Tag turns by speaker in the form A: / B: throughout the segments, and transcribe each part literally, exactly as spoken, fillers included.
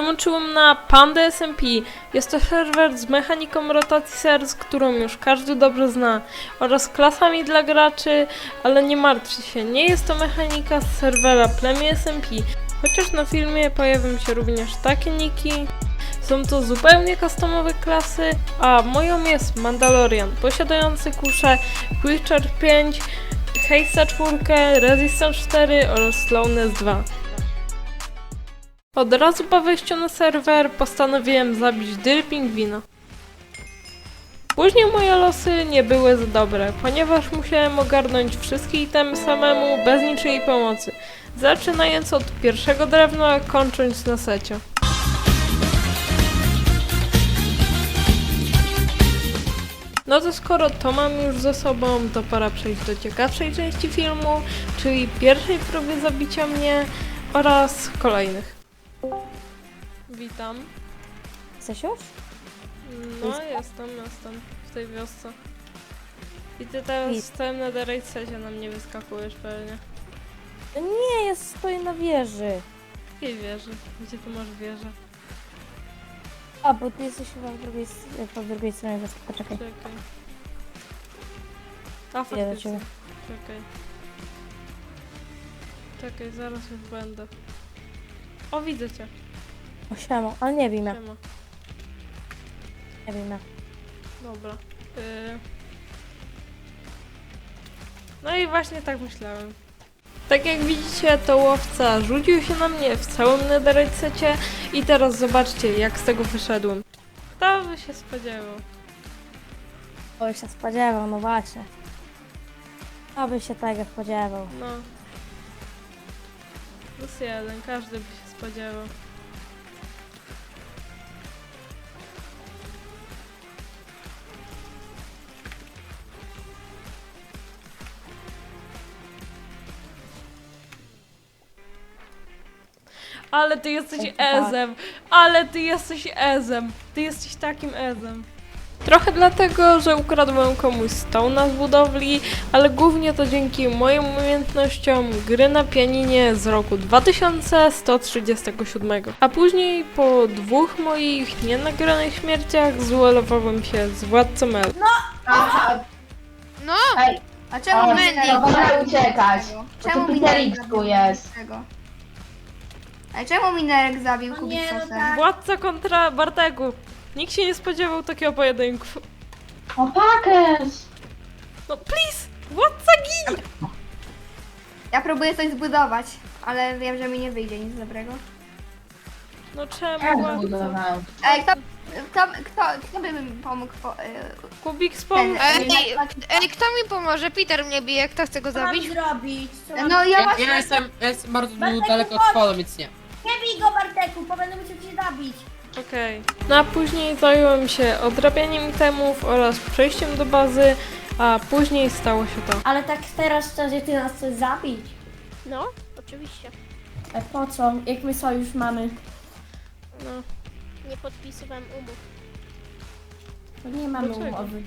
A: Dołączyłem na Panda S M P. Jest to serwer z mechaniką rotacji serc, którą już każdy dobrze zna, oraz klasami dla graczy, ale nie martwcie się, nie jest to mechanika z serwera Plemię S M P. Chociaż na filmie pojawią się również takie niki. Są to zupełnie customowe klasy, a moją jest Mandalorian, posiadający kuszę Quicker pięć, Haste'a cztery, Resistance cztery oraz Slowness dwa. Od razu po wejściu na serwer postanowiłem zabić Dyl Pingwina. Później moje losy nie były za dobre, ponieważ musiałem ogarnąć wszystkie itemy samemu, bez niczyjej pomocy, zaczynając od pierwszego drewna, kończąc na secie. No to skoro to mam już ze sobą, to pora przejść do ciekawszej części filmu, czyli pierwszej próby zabicia mnie oraz kolejnych. Witam.
B: Chcesz już?
A: No jestem, jestem w tej wiosce. I ty teraz w całym netherite na mnie wyskakujesz pewnie.
B: No nie, ja stoję na wieży.
A: Jakiej wieży? Gdzie ty masz wieżę?
B: A, bo ty jesteś chyba w drugiej, s- po drugiej stronie wyspy. Poczekaj.
A: Czekaj. A
B: Idę do
A: faktycznie.
B: ciebie.
A: Czekaj. Czekaj, zaraz już będę. O, widzę cię.
B: O, siema, ale nie wiem, ja.
A: Siema.
B: Nie wiem, ja.
A: Dobra. Y... No i właśnie tak myślałem. Tak jak widzicie, to łowca rzucił się na mnie w całym netherite i teraz zobaczcie, jak z tego wyszedłem. Kto by się spodziewał?
B: O, się spodziewał, no właśnie. Kto by się tego spodziewał?
A: No. Plus jeden, każdy by się spodziewał. Ale ty jesteś
B: Ej, tak.
A: ezem, ale ty jesteś ezem, ty jesteś takim ezem. Trochę dlatego, że ukradłem komuś stone'a z budowli, ale głównie to dzięki moim umiejętnościom gry na pianinie z roku dwa tysiące sto trzydziestego siódmego. A później po dwóch moich nienagranych śmierciach zuelowałem się z władcą El.
C: Aha,
D: No,
C: ej,
D: a czemu
C: o,
D: Mandy?
C: no wolę uciekać. Bo
D: Czemu
C: tu
D: Minerek
C: Peter
D: zabił
C: tu jest.
D: Kubiksowego? A czemu Minerek zabił Kubiksosem?
A: Władca kontra Barteku. Nikt się nie spodziewał takiego pojedynku.
C: O, Pakes!
A: No please! Władca gin!
D: Ja próbuję coś zbudować, ale wiem, że mi nie wyjdzie nic dobrego.
A: No czemu
C: Ja
A: władca?
C: zbudowałem.
D: Ej, kto, kto, kto, kto by mi pomógł? Po, y,
A: Kubik spom...
D: Ten-
E: Ej, ej, kto mi pomoże? Peter mnie bije, kto chce go
F: Co mam
E: zabić?
F: zrobić? Co mam...
D: no ja
G: Ja,
D: właśnie...
G: ja jestem, ja jestem bardzo
F: Bartek,
G: daleko od
F: chodź!
G: spodu, więc nie.
F: Nie bij go, Barteku, bo będę musiał cię zabić.
A: Okej. No a później zająłem się odrabianiem itemów oraz przejściem do bazy, a później stało się to.
F: Ale tak teraz szczerze, ty nas chcesz zabić.
H: No, oczywiście.
F: A po co? Jak my sojusz mamy?
A: No.
H: Nie podpisywałem umów.
F: To nie mamy
A: Dlaczego?
F: umowy.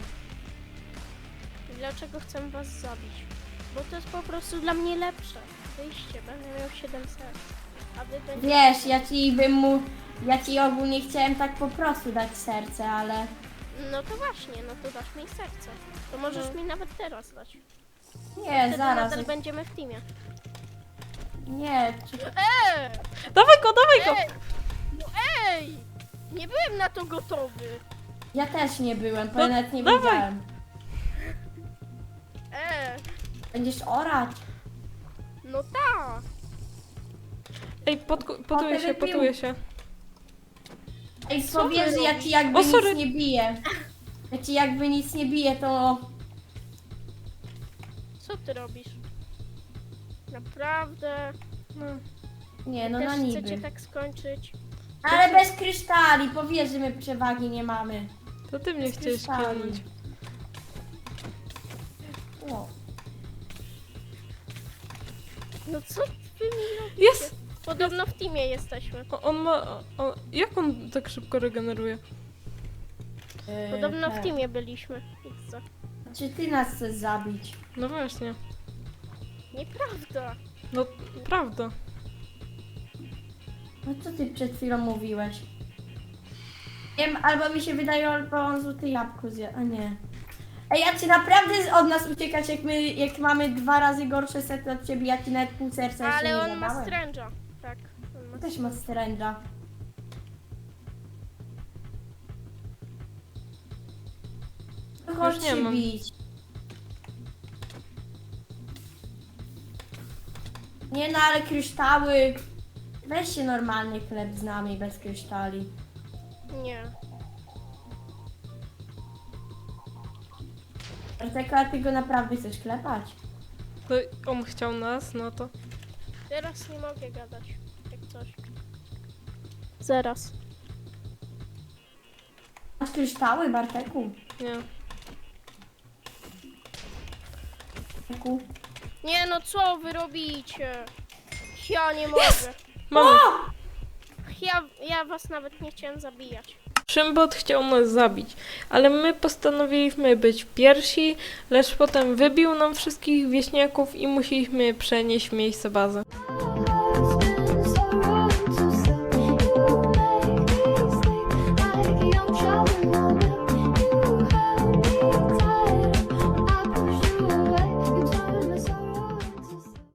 H: Dlaczego chcę was zabić? Bo to jest po prostu dla mnie lepsze. Wyjście, będę miał siedem serc. A wy będziecie...
F: Wiesz, ja ci bym mu... Ja ci ogólnie chciałem tak po prostu dać serce, ale...
H: No to właśnie, no to dasz mi serce. To możesz
A: No.
H: mi nawet teraz dać.
F: Nie,
H: Wtedy
F: zaraz.
H: nadal będziemy w teamie.
F: Nie, czy...
H: Eee!
A: Dawaj go, dawaj go!
H: Ej! No ej! Nie byłem na to gotowy.
F: Ja też nie byłem, bo
A: No,
F: ja nawet nie
A: dawaj.
F: wiedziałem.
H: Eee!
F: Będziesz orać.
H: No tak!
A: Ej, podku- potuję
F: O,
A: się,
F: wybił.
A: potuję się.
F: Ej,
H: Co ty
F: powiedz, że ja
H: robisz?
F: ci jakby
A: O, sorry.
F: nic nie biję. Ja ci jakby nic nie biję, to...
H: Co ty robisz? Naprawdę?
A: No.
F: Nie, no
H: Też
F: na
H: chcecie
F: niby.
H: tak skończyć?
F: Ale bez kryształi, powiedz, że my przewagi nie mamy.
A: To ty mnie chciałeś
F: Słyszałam.
A: kilnąć.
F: O.
H: No co wy mi robicie?
A: Jest!
H: Podobno w teamie jesteśmy.
A: O, on ma... O, jak on tak szybko regeneruje?
F: Yy,
H: Podobno w
F: tak.
H: teamie byliśmy. Idź.
F: Czy ty nas chcesz zabić?
A: No właśnie.
H: Nieprawda.
A: No, prawda.
F: No co ty przed chwilą mówiłeś? Nie wiem, albo mi się wydaje, albo on złote jabłko zje, a nie. Ej, ja ci naprawdę od nas uciekać, jak my, jak mamy dwa razy gorsze sety od ciebie, ja ci nawet pół serca jeszcze
H: Ale
F: nie
H: on ma
F: zadałem.
H: stręża. Tak. On ma
F: Też ma stręża. No chodź
A: Już nie
F: się
A: mam.
F: bić. Nie no, ale kryształy. Weź się normalnie chleb z nami, bez kryształi.
H: Nie.
F: Arteka, ty go naprawdę chcesz klepać?
A: To on chciał nas, no to...
H: Teraz nie mogę gadać. Jak coś. Zaraz.
F: Masz kryształy, Barteku?
A: Nie.
F: Barteku?
H: Nie no, co wy robicie? Ja nie mogę.
A: Mamy.
H: Ja, ja was nawet nie chciałem zabijać.
A: Szymbot chciał nas zabić, ale my postanowiliśmy być pierwsi, lecz potem wybił nam wszystkich wieśniaków i musieliśmy przenieść miejsce bazy.